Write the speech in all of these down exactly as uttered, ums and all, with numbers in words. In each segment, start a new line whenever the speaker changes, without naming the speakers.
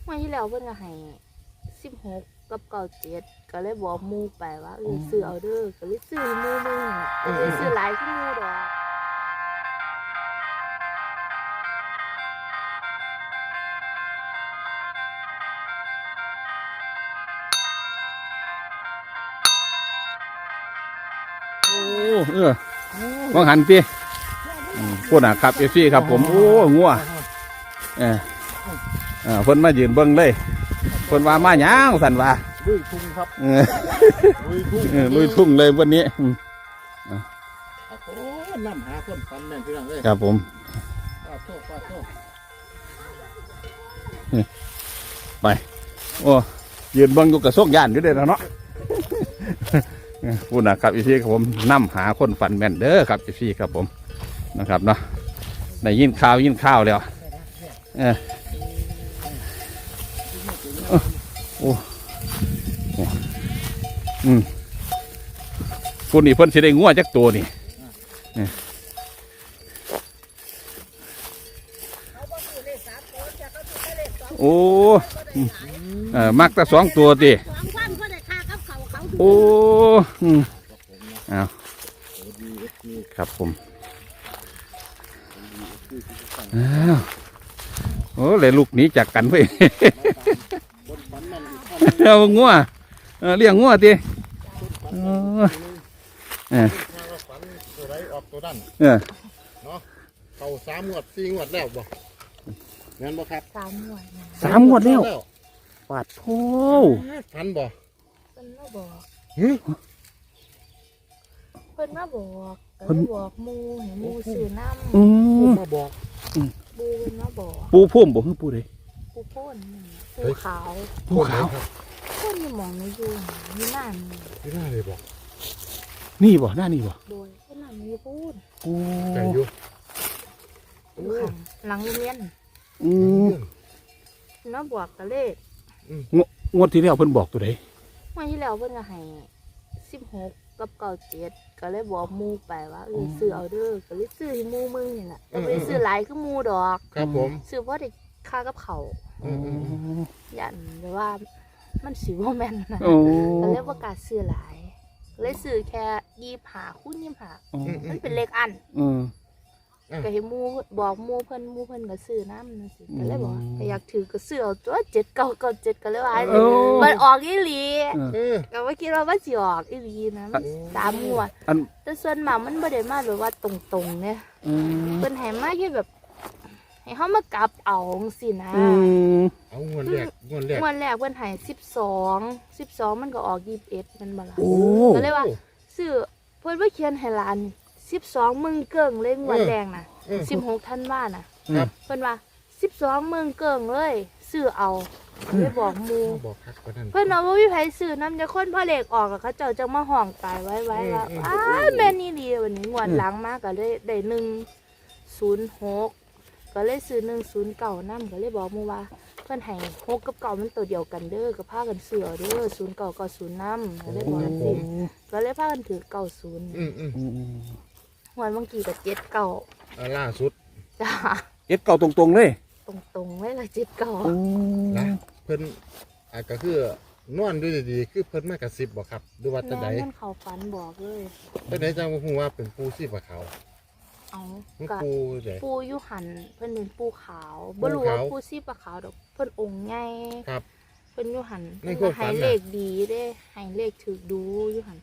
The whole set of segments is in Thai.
มื่อที่แล้วเพิ่นก็ให้สิบหกกับเก้าเจ็ดก็เลยบอกหมู่ไปว่าเออซื้อเอาเด้อก็เลยซื้อหมู่มึงก็เลยซื้อหลายขึ้นหมู่ดอก
โอ้เออมองหันพี่พูดนะครับเอฟซีครับผมโอ้งัวเออเออเพิ่นมายืนเบิ่งเลยเพิ่นว่ามาหยังสั่นว่า
ลุยทุ่งครับ
เออลุยทุ่งเลยวันนี้
โอ้น้ำหาคนฟันแม่นพี่น้องเลย
ครับผม
ป้าโทษป้าโทษ
ไปโอ้ยืนเบิ่งอยู่กับโซกย่านอยู่เด้อเนาะพูดนะครับอีซี่ครับผมนำหาคนฝันแม่นเด้อครับอีซี่ครับผมนะครับเนาะได้ยินข่าวยินข่าวแล้วเออโอ้โอ้อืมคนนี้เพิ่นสิได้งัวจักตัวนี่โอ้เออมักแต่สองตัวดิโอ้อืมเอาครับผมอ้าวโอ้เลยลูกนี้จากกันเพื่อเอางัวเลี้ยงงัวดิเออเออ
ตัวไรออกตัวดัน
เออ
เนาะเขาสามงวดสี่งวดแล้วบ่งั้นบ่ครับ
สามงวด
สามงวดแล้วปาดโธ่
ฟันบ่
เพิ่นมาบอก
หึ
เพิ่นมาบอกเพิ่นบอกหมู่ให้หมู่ซื้อน้ำ
อืม
มาบอก
ปูเพิ่นมาบอก
ปูพุ่มบ่คือปูใด
ปูพ่นปูขาว
ปูขาว
พ่นอยู่หมองในอยู่มีหน้ามี
ไม่น่าเลยบอก
นี่บ่หน้านี่บ่
โดยเพิ่นน่ะมีพูด
โอ้
ไก่อยู่
อยู่ข้างหลังโรงเรียน
อืม
น้าบอกกะเลข
งวดที่แล้วเพิ่นบอกตัวใด
เมื่อที่แล้วเพิ่นก็ให้สิบหกกับเก้าเจ็ดก็เลยบอกหมู่ไปว่าเออซื้อเอาเด้อก็เลยซื้อให้หมู่มึงนี่แหละก็ไม่ได้ซื้อหลายคือหมู่ดอก
ครับผม
ซื้อเพราะได้ค่ากับเขายันแต่ว่ามันสิบ่แม่นนะก็เลยประกาศซื้อหลายเลยซื้อแค่ยี่สิบห้าคูณยี่สิบห้ามันเป็นเลขอันก็ให้มูบอกมูเพิ่นมูเพิ่นก็ซื้อน้ำนั่นสิก็เลยบอกก็อยากถือก็ซื้อเอาตัวเจ็ดเก้าเก้าเจ็ดก็เลยว่ามันออกอีหลีก็ว่าคิดว่ามันสิออกอีหลีนะสามงวดแต่ส่วนมากมันบ่ได้มาแบบว่าตรงๆเนี่ยเพิ่นให้มาแค่แบบให้เฮามากลับเอาสินะ
เอางวดแรกงวดแรก
งวดแรกเพิ่นให้สิบสองสิบสองมันก็ออกยี่สิบเอ็ดมันบ่ล่ะก็เลยว่าซื้อเพิ่นว่าเขียนให้หลานสิบสองมึงเกิ่งเลยงวดแดงน่ะสิบหกธันวาน่ะเพิ่นว่าสิบสองมึงเกิ่งเลยซื้อเอาเลยบอกหมู่เพิ่นเอาว่ามีไผซื้อน้ำจะคนพ่อเล็กออกกับเขาเจ้าจังมาห้องตายไว้ไว้ว่าอ้าแม่นี่ดีวันนี้งวดหลังมาก็เลยได้หนึ่งศูนย์หกก็เลยซื้อหนึ่งศูนย์เก้าน้ำก็เลยบอกหมู่ว่าเพิ่นให้หกกับเก้ามันตัวเดียวกันเด้อก็พากันซื้อเอาเด้อศูนย์เก้าก็ศูนย์น้ำก็เลยบอกสิก็เลยพากันถือเก้าศูนย์วันบางกีกับเจ็ดเก่า
ล่าสุด
จ้า
เจ็ดเก่าตรงๆเลย
ตรงๆไม่ละเจ็ดเก่า
นะเพิ่นอาจก็คือนอนด้วยดีๆคือเพิ่นมากระซิบบอกครับดูว่าจะไหน
แม่นเขาฝันบอกเลย
จะไหนจังว่าพูดว่าเป็นปูซีบกับเขา
เอา
ปูใหญ่
ปูยุหันเพิ่นเป็นปูขาวบ่รู้ว่าปูซีบกับขาวดอกเพิ่นองค์ใหญ่
ครับ
เพิ่นยุหันเพิ่นก็ให้เลขดีเด้ให้เลขถือดูยุหัน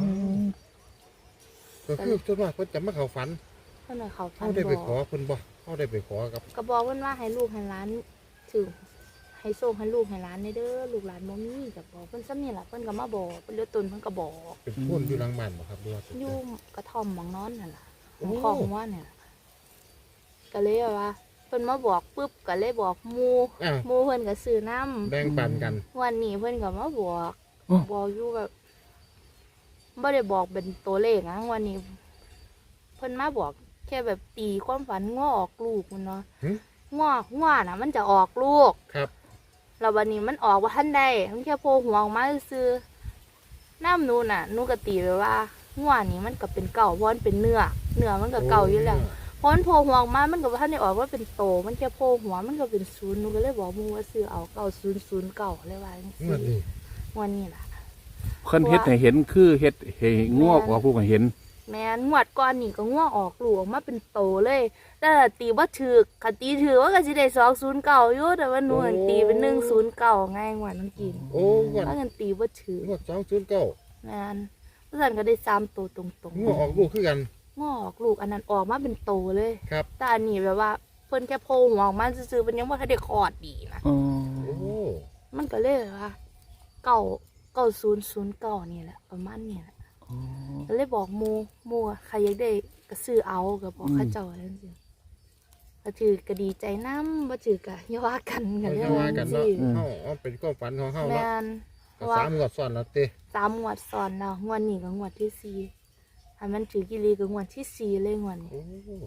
ก็คือส่วนมากเพิ่นจะมาเขาฝัน
เพิ่นเขาฝัน
เขาได้ไปขอเพิ่นบ่เขาได้ไปขอกับ
ก็บอกเพิ่นว่าให้ลูกให้หลานถือให้โซ่ให้ลูกให้หลานเด้อลูกหลานบ่มีก็บอกเพิ่นซ้ำนี่ล่ะเพิ่นก็มาบอกเพิ่นเลือตนเพิ่นก็บอก
เป็นพ่นอยู่หลังบ้านบ่ครับดูว่า
อยู่กระท่อมหมองนอนนั่นล่ะของว่าเนี่ยก็เลยว่าเพิ่นมาบอกปุ๊บก็เลยบอกหมู่หมู่เพิ่นก็ซื้อน้ำ
แบ่งปันกัน
วันนี้เพิ่นก็มาบอกบอกอยู่แบบไม่ได้บอกเป็นตัวเลขนะวันนี้เพิ่นมาบอกแค่แบบตีความฝันง้อออกลูกมันเนาะง้อง้อน่ะมันจะออกลูก
ครับ
แล้ววันนี้มันออกว่าท่านใดมันแค่โผล่หัวออกมาซื้อน้ำนูน่ะนูกตีไปว่าง้อนี้มันก็เป็นเก่าเพราะมันเป็นเนื้อเนื้อมันก็เก่าอยู่แล้วพพอนโผล่หัวออกมามันก็บ่ทันได้ออกว่าเป็นโตมันแค่โผล่หัวมันก็เป็นศูนย์หนูก็เลยบอกหมูว่าซื้อเอาเก้าศูนย์ศูนย์เก้าเลยว่าจัง
ง
ซี่
วดนี้
วันนี้ล่ะ
เพิ่นเฮ็ดให้เห็นคือเฮ็ดให้งวออกลูกให้เห็น
แม่นงวดก่อนนี่ก็งัวออกลูกออกมาเป็นโตเลยแต่ตีบ่ถูกคันตีถือว่าก็สิได้สองศูนย์เก้าอยู่แต่ว่าหนูหันตีเป็นหนึ่งศูนย์เก้าไงงวดนั้นกิน
โอ้งวด
ว่ากันตีบ่ถูก
งวดสองศูนย์เก้า
แม่นเพราะฉะนั้นก็ได้สามโตตรง
งวดออกลูกคือกัน
ๆงัวออกลูกอันนั้นออกมาเป็นโตเลย
ครับ
แต่อันนี้แบบว่าเพิ่นแค่โผล่หัวออกมาซื่อๆเพิ่นยังบ่ทันได้คลอดดีนะ
อ๋อ
โอ้
มันก็เลยว่าเก้าเก้าศูนย์ศูนย์เก้านี่แหละประมาณนี้แหละก็เลยบอกหมูหมูใครอยากได้ก็ซื้อเอาก็บอกเข้าเจ้าอะไรจังซี่ก็ถือก็ดีใจนำบ่ถือก็อย่าว่ากันกัน
เขา
เรื่
จะ
อง
ว่ากัน
สิ
เนาะเฮาเอาเป็นความฝันของเฮา
แม่
เนาะ
นเพ
ก็
ราะว่า
สามงวดซ้อนแล้วเต้
สามงวดซ้อนแล้วงวดนี้ก็งวดที่สี่ถ้ามันถือกิรีก็งวดที่สี่เลยงวดนี้
โอ้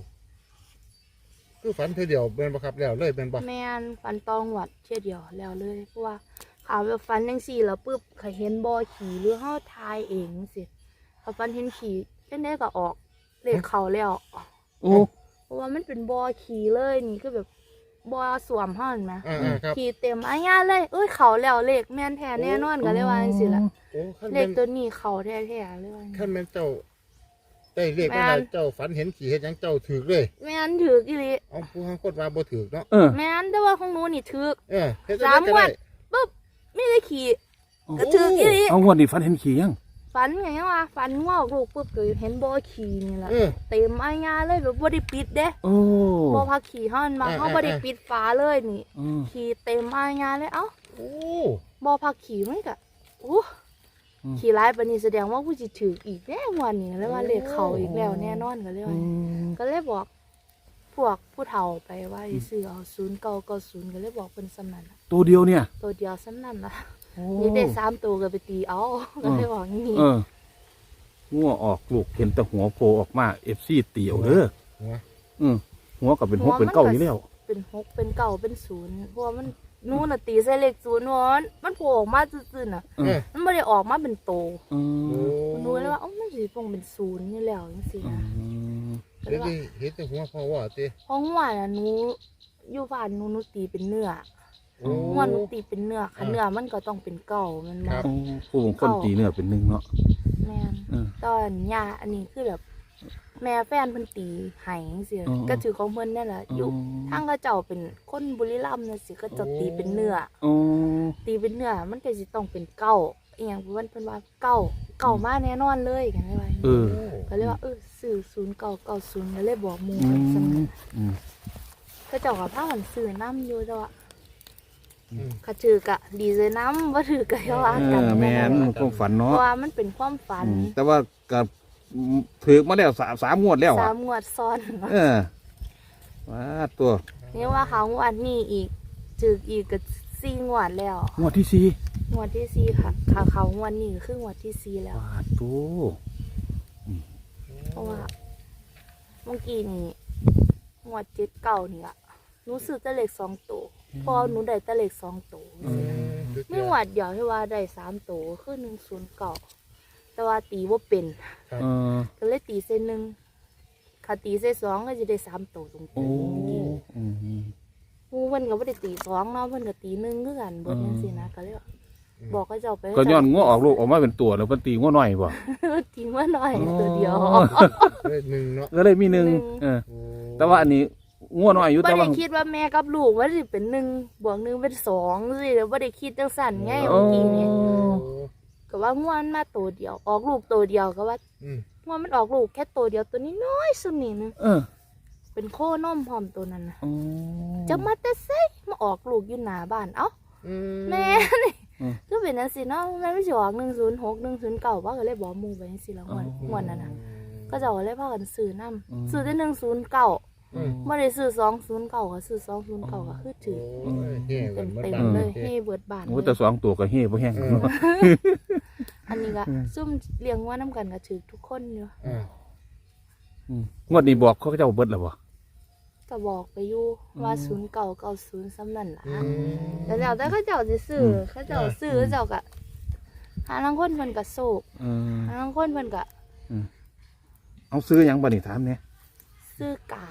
คือฝันเธอเดียวเป็นบ่ครับแล้วเลยเป็นบ่
แม่นฟันตองวดเที่ยเดียวแล้วเลยเพราะว่าข่าวแบบฟันจังซี่แล้วปึ๊บก็เห็นบ่อขี่หรือเฮาทายเองสิพอฟันเห็นขี่จังได๋ก็ออกเลขเข้าแล้ว
โอ้
เพราะว่ามันเป็นบ่อขี่เลยนี่คือแบบบ่อสวมเฮาเห็นไหม
อ่าๆครับ
ขี่เต็มอาญาเลยเอ้ยเขาแล้วเลขแม่นแท้แน่นอนก็เลยว่าจังซี่ล่ะ
โอ้ขั้น
เล
เป็
ข
น
ตัวนี้เขาแท้ๆเลยว่าจัง
ขั้
ซี้
นเป็นเจ้าได้เลข
แม่
เมื่อไห
น
ร่เจ้าฝันเห็นขี่เฮ็ดหยังเจ้าถือเลย
แม่นถือกอีหลี
เอาผู้ทางคนว่าบ่ถือเนาะ
เออ
แม่นแต่ว่าของหนูนี่ถือก
เออเฮ็ด
สาม
จัง
งว
ได๋
ดปุ๊บไม่ได้ขี่ก็ถือกอีหลี
เอางวดนี้ฝันเห็นขี่ยัง
ฝันไงวะฝันงอกลูกปุ๊บก็เห็นบ่อขี่นี่แหละ
เออ
เต็มอาญาเลยแบบบ่ได้ปิดเด้
โอ้
บ่พักขี่เฮามันมา
อ่า
เฮาบ่ได้ปิดฝาเลยนี่
อืม
ขี่เต็มอาญาเลยเอ้า
โอ้
บ่พักขี่มันก็โอ้ขี่ร้ายปานนี้แสดงว่ากูสิถืออีกแน่วันนี้แล้วว่าเลขเข้าอีกแล้วแน่นอนก็เลย
อื
ว่า
ม
ก็เลยบอกพวกผู้เฒ่าไปว่าให้ซื้อเอาศูนย์เก้าเก้าศูนย์ก็เลยบอกเพิ่นซ้ำนั้นล่ะ
ตัวเดียวเนี่ย
ตัวเดียวซ้ำนั้นล่ะ
โอ้
นี่ได้สามตัวก็ไปตีเอาก็เลยบอกอย่างนี้
เอองัวออกลูกเห็นแต่หัวโผล่ออกมา เอฟ ซี เตี๋ยวเด้อ
หัว
อืมหัวก็เป็นหัวเป็นเก้าอยู่แล้ว
เป็นหกเป็นเก้าเป็นศูนย์เพราะว่ามันนู่นน่ะตีใส่เลขศูนย์วอนมันโผล่ออกมาซื่อๆน่ะ
เออ
มันไม่ได้ออกมาเป็นโต
อื
โอ้
ม
มันรู้เลยว่าเอ้ามันสิคงเป็นศูนย์นี่แล้วจังซี่
อื
นะ
ม
ก็เล
เฮ็ด
ยว่า
ได้เฮ็ดแต่หัวพอว่าเต้
เพราะว่าน่ะหนูอยู่บ้านหนูหนูตีเป็นเนื้อ
โอ้
หัวหนูตีเป็นเนื้อค่ะเนื้อมันก็ต้องเป็นเก้ามัน
ครั
มา
บ
โอ้ผู้บางคนตีเนื้อเป็นหนึ่งเนาะ
แม่น
เออ
ตอนย่าอันนี้คือแบบ แม่แฟนเพิ่นตีไห้จังซี่
อ๋อ
ก็ถือของเพิ่นนั่นแหละอยู่ทางเขาเจ้าเป็นคนบุรีรัมย์น่ะสิก็จะตีเป็นเนื้อ
โอ้
ตีเป็นเนื้อมันก็สิต้องเป็นเก้าอีหยังเพิ่นเพิ่นว่าเก้าเก้ามาแน่นอนเลยกันเลยว่า
เออ
ก็เลยว่าเออซื้อศูนย์เก้าเก้าศูนย์ก็เลยบอกหมู่
อื
กันซั่น
มอืม
ก็เจ้าก็พากันซื้อน้ำอยู่แต่ว่า
อืม
ก็ถือกะดีใจน้ำบ่ถือกะอย่าว่า
เอ
กัน
อแม่นความฝัน
เพ
เนาะ
ราะว่ามันเป็นความฝัน
อืมแต่ว่าก็ถือมาแล้วสามสามงวดแล้ว
สา
อ่ะ
มงวดซ้อน
เออว่าตัว
นี่ว่าเขางวดนี้อีกถือกอีกก็สี่งวดแล้ว
งวดที่สี่
งวดที่สี่ค่ะค่ะเขางวดนี้ก็คืองวดที่สี่แล้ว
ว่าตัว
เพราะว่าเมื่อกี้นี่งวดเจ็ดเก้านี่อะหนูซื้อแต่เลขสองตัวเพอหนูได้แต่เลขสองตัว
อืม
ไม่งวดเดียวที่ว่าได้สามตัวคือหนึ่งศูนย์เก้าแต่ว่าตีว่าเป็น
เออ
ก็เลยตีเส้นหนึ่งขาตีเส้นสองก็จะได้สามตัวตรง
โอ้
ๆ
อืม
หมูเพิ่นก็บ่ได้ตีสองเนาะเพิ่นก็ตีหนึ่งคือกันเบิดจังซี่นะก็เลยว่าบอกเขาเจ้าไป
ก็ย้อนงัวออกลูกออกมาเป็นตัวแล้วเพิ่นตีงัวน้อยบ่
ตีมาหน่อยตัวเดียว
เลขหนึ่งเนาะ
ก็เลยมีหนึ่ง
หนึ่ง
เออ
โอ้
แต่ว่าอันนี้งัวน้อยอยู่
บ่
แต่ว่า
ได้คิดว่าแม่กับลูกว่าสิเป็นหนึ่งบวกหนึ่งเป็นสองสิแล้วบ่ได้คิดจังสั่นไง
โอ้
เมื่อกี้นี่
โอ้
ก็ว่าง่วนมาตัวเดียว ออกลูกตัวเดียวก็ว่า
อืม
ง่วนมันออกลูกแค่ตัวเดียวตัวนี้น้อยสุดนี่นึง
เออ
เป็นโคนมพร้อมตัวนั้นน่ะ
โอ้
จะมาแต่ไสมาออกลูกอยู่หน้าบ้านเอ้า
อืม
แม่นี่คือเป็นจังซี่เนาะแม่ไม่สิออกหนึ่งศูนย์หก หนึ่งศูนย์เก้าว่าก็เลยบอกหมู่ไปจังซี่แล้วง่วนง่วนนั่นน่ะก็เจะเลยพากันซื้อนำซื้อแต่หนึ่งศูนย์เก้า
อืม
บ่ได้ซื้อสองศูนย์เก้าก็ซื้อสองศูนย์เก้าก็คือถือ
โอ้ยเฮ้กั
เต็
น
ม
หมด
เต็ม
บ้าน
เลย
โอค
เฮ้เบิดบ้าน
โอ้
เลย
แต่สองตัวก็เฮ่บ่แห้งเนาะ
อันนี้ก็ซุ่มเลี้ยงว่าน้ำกันก็ถือทุกคนอยู่
อ่า
อืมงวดนี้บอกเขาเจ้าเบิดแล้วบ่
ก็บอกไปอยู่ว่าศูนย์เก้าเก้าศูนย์ซ้ำนั่นล่ะ
อืม
แต่แล้วแต่เขาเจ้าสิซื้ออเขาเจ้าซื้อเขาเจ้าก็หาลางคนเพิ่นก็โศก
เออ
หาลางคนเพิ่นก็
เอาซื้อหยังบ่นี่ถามเนี่ย
ซื้อการ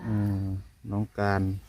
อืมน้องการ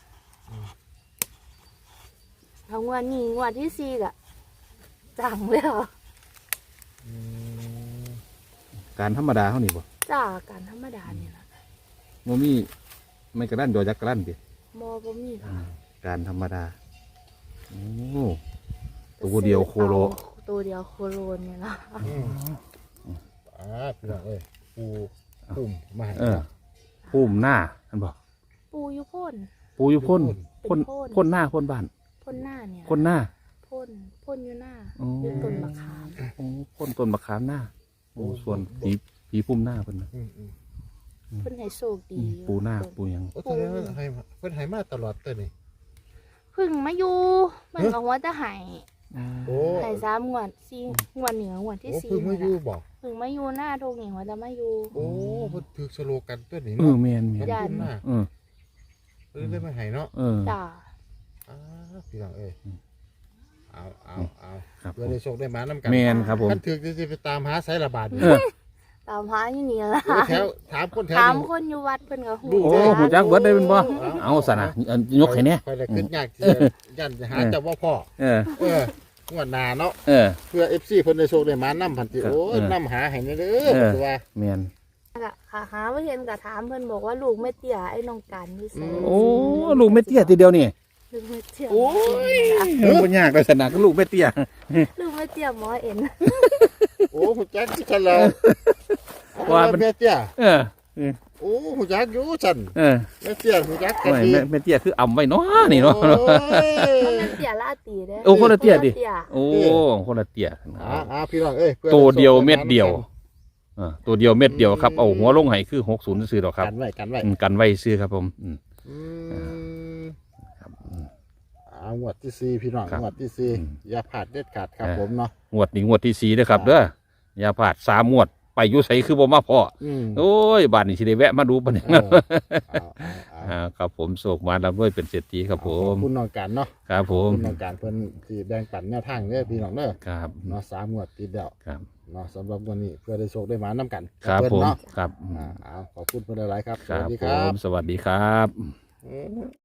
ทั้งวันนี้งวันที่สี่ก็จังเลยเหรอ
อืม
การธรรมดาเขานี่บ่
จ้าการธรรมดาเนี่ยนะ
โมมีไม่กระด้านดอยักกระด้านดิ
มอบ่มีค่ะ
การธรรมดาโอ้ตัวเดียวโคโล
เอาตัวเดียวโคโลเนี่ยนะ
อืมอ่าพี่น้องเอ้ยปูปุ่มมาให้
เออพุ่มหน้าท่านบอก
ปูอยุพ่น
ปูอยู่พ่น
เป็
พ่น
นพ่น
พ่นหน้าพ่นบ้าน
พ่นหน้าเนี่ย
พ่นหน้า
พ่นพ่นอยู่หน้า
อ๋อ
อยู่ต้นมะขาม
โอ้พ่นต้นมะขามหน้าโอ้ส่วนผีผีพุ่มหน้าเพิ่นน่ะ
อืมอืม
เพิ่นให้โชคดีอยู่
ปูหน้าปูหยัง
โอ้แสดงว่าให้มาเพิ่นให้มาตลอดตัวนี่
เพึ่งมาอยู่มันก็หัวจะใหาย
โอ้
หายสามงวดสี่งวดเหนืองวดที่
โอ้
สี่
เพิ่งมาอยู่
นี่ล่ะ
บอก
เพึ่งมาอยู่หน้าทงนี่หัวจะมาอยู่
โอ้เพิ่นถือสโลกันตัวนี้
เออ
เนาะ
แมนแมน
น้ำพุ่มหน้า
เออ
เพิ่นได้มาให้เนาะ
เออ
จ้า
อ่าพี่น้องเอ้ยเอาเอาเอา
ครับ
เพื่อได้โชคได้มาน้ำกัน
แมนครับผม
ท่านถือจะไปตามหาสายระบาดอยู่
เออ
ตามหาอยู่นี่ละ
โอ้แถวถามคนแถว
ถาม
นี้
คนอยู่วัดเพิ่นก็หู
ดู
โอ้หูจักเบิดได้เป็นบ่เอาสนะอันยกให้แน่
คอยได้ขึ้นยากที่จะยันจะหาแต่ว่าพ่อ
เออ
เอองวดหน้าเนาะ
เออ
เพื่อ เอฟ ซี เพิ่นได้โชคได้มานํพันติ
ครับ
โอ้ย
เออ
นํหาให้แน่เด้อ
เออ
คือว่า
แมน
ก็ค่ะหาบ่เห็นก็ถามเพิ่นบอกว่าลูกไม่เตี้ยไอ้น้องกันนี่ใส่
โอ้ลูกไม่เตี้ยทีเดียวนี่
ลูกไม่เตี้ย
โอ้ยมันบ่ยากเลยสนะก็ลูกไม่เตี้ย
ลูกไม่เตี้ยหมอเอ็น
โอ้หูจักที่ฉันแล้ว
ว่า
ว่า
มัน
แม่เตี้ย
เออ
โอ้หูจักอยู่ฉัน
เออ
แม่เตี้ยหูจักกัน
โอ้ย
ดี
แม่แม่เตี้ยคืออ่ำไว้เนาะนี่เนาะ
โอ้ย
มันเป็นเตี้ยลาตีเด้
โอ้คนละเตี้ยดิ
คนละเตี้ย
โอ้คนละเตี้ย
อ่าอ่าพี่น้องเอ้ยพื่อ
ตัวเดียว
ได้โชค
เม็ดเดียว
ได้มา
อ่าตัวเดียวเม็ดเดียวครับเอาหัวลงให้คือหกศูนย์ซื้อดอกครับ
กันไว้กันไว้
อืมกันไว้ซื้อครับผมอืม
อืม
ครับอืม
อ่างวดที่สี่พี่น้อง
ครับ
งวดที่สี่
อืม
อย่าพลาดเด็ดขาดครับ
เออ
ผมเนาะ
งวดนี้งวดที่สี่เด้อครับเด้ออย่าพลาดสามงวดไปอยุไสคือบ่มาพ่อ
อืม
โอ้ยบ้านนี้สิได้แวะมาดูปะเนี่ย
เอาเอาเอาเอา
อ่าครับผมโศกมาแล้วด้วยเป็นเศรษฐีครับผ
ขอ
ม
บคุณน้องการเนาะ
ครับผ
ขอบ
ม
คุณน้องการเพิ่นที่แบ่งปันแนวทางเด้อพี่น้องเด้อ
ครับ
เนาะสามงวดติดแล้ว
ครับ
เนาะสำหรับวันนี้เพื่อได้โชคได้หมาน้ำกัน
ครับ
เพิ่น
ผม
เนาะ
ครับอืม
อ่าเอาขอบคุณเพิ่นหลายๆครับ
ครับ
สวัสดี
ผ
ครับ
มสวัสดีครับ
อืม